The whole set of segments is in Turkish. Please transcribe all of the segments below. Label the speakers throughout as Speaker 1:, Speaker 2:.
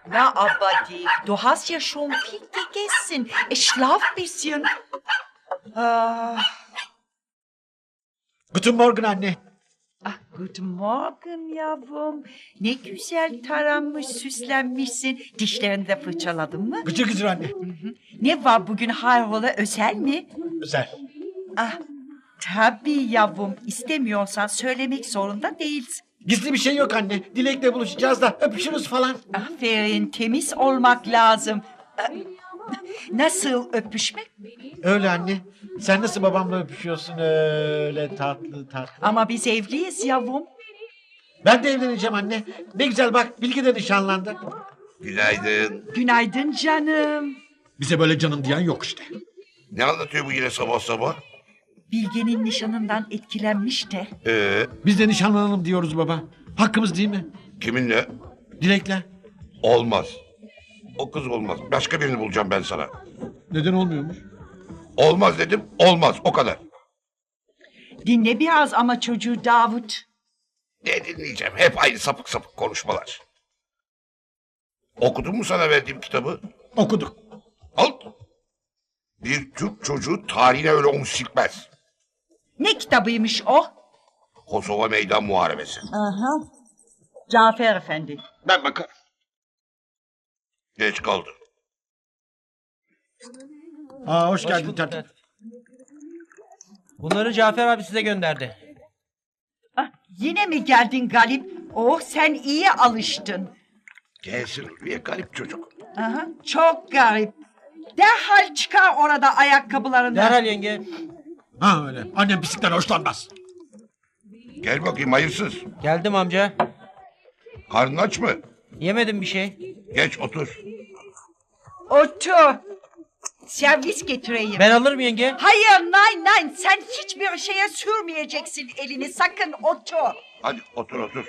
Speaker 1: Na, aber du hast ja schon viel gegessen. Schlaf bisschen. Ah,
Speaker 2: Guten Morgen anne.
Speaker 1: guten Morgen yavrum. Ne güzel taranmış, süslenmişsin. Dişlerini de fırçaladın mı?
Speaker 2: Gıcır gıcır anne.
Speaker 1: Ne var bugün hayrola, özel mi?
Speaker 2: Güzel.
Speaker 1: Tabii yavrum. İstemiyorsan söylemek zorunda değilsin.
Speaker 2: Gizli bir şey yok anne. Dilek'le buluşacağız da öpüşürüz falan.
Speaker 1: Aferin, temiz olmak lazım. Nasıl öpüşmek?
Speaker 2: Öyle anne. Sen nasıl babamla öpüşüyorsun öyle tatlı tatlı.
Speaker 1: Ama biz evliyiz yavrum.
Speaker 2: Ben de evleneceğim anne. Ne güzel bak Bilge de nişanlandı.
Speaker 3: Günaydın.
Speaker 1: Günaydın canım.
Speaker 2: Bize böyle canım diyen yok işte.
Speaker 3: Ne anlatıyor bu yine sabah sabah?
Speaker 1: Bilge'nin nişanından etkilenmiş de.
Speaker 2: Biz de nişanlanalım diyoruz baba. Hakkımız değil mi?
Speaker 3: Kiminle?
Speaker 2: Dilek'le.
Speaker 3: Olmaz. O kız olmaz. Başka birini bulacağım ben sana.
Speaker 2: Neden olmuyormuş?
Speaker 3: Olmaz dedim, olmaz. O kadar.
Speaker 1: Dinle biraz ama çocuğu Davut.
Speaker 3: Ne dinleyeceğim? Hep aynı sapık sapık konuşmalar. Okudun mu sana verdiğim kitabı?
Speaker 2: Okuduk.
Speaker 3: Al. Bir Türk çocuğu tarihine öyle omuz silkmez.
Speaker 1: Ne kitabıymış o?
Speaker 3: Kosova Meydan Muharebesi.
Speaker 1: Aha. Cafer Efendi.
Speaker 2: Ben bakarım.
Speaker 3: Geç kaldı.
Speaker 2: Hoş geldin tertip.
Speaker 4: Bunları Cafer abi size gönderdi.
Speaker 1: Yine mi geldin Galip? Oh, sen iyi alıştın.
Speaker 3: Gelsin Ulviye, garip çocuk.
Speaker 1: Aha, çok garip. Derhal çıkar orada ayakkabılarını.
Speaker 4: Derhal yenge.
Speaker 2: Ha öyle. Annem pislikten hoşlanmaz.
Speaker 3: Gel bakayım hayırsız.
Speaker 4: Geldim amca.
Speaker 3: Karnın aç mı?
Speaker 4: Yemedim bir şey.
Speaker 3: Geç otur.
Speaker 1: Otur. Servis getireyim.
Speaker 4: Ben alırım yenge.
Speaker 1: Hayır, nein, sen hiçbir şeye sürmeyeceksin elini, sakın otur.
Speaker 3: Hadi otur otur.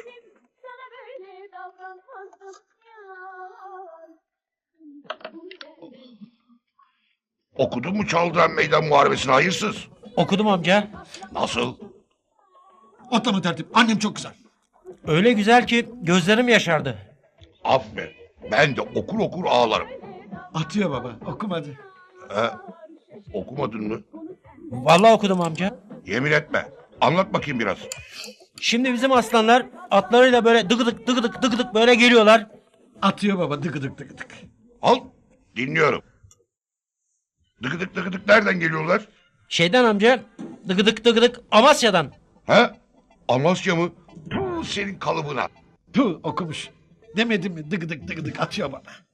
Speaker 3: Okudun mu Çaldıran Meydan Muharebesi'ni hayırsız?
Speaker 4: Okudum amca.
Speaker 3: Nasıl?
Speaker 2: Atlama tertip. Annem çok güzel.
Speaker 4: Öyle güzel ki gözlerim yaşardı.
Speaker 3: Aferin. Ben de okur okur ağlarım.
Speaker 2: Atıyor baba. Okumadı.
Speaker 3: Okumadın mı?
Speaker 4: Vallahi okudum amca.
Speaker 3: Yemin etme. Anlat bakayım biraz.
Speaker 4: Şimdi bizim aslanlar atlarıyla böyle dıgıdık dıgıdık dıgıdık böyle geliyorlar.
Speaker 2: Atıyor baba. Dıgıdık dıgıdık.
Speaker 3: Al. Dinliyorum. Dıgıdık dıgıdık nereden geliyorlar?
Speaker 4: Şeyden amca dıgıdık dıgıdık Amasya'dan.
Speaker 3: He? Amasya mı? Puh, senin kalıbına.
Speaker 2: Puh okumuş. Demedim mi dıgıdık dıgıdık atıyor bana.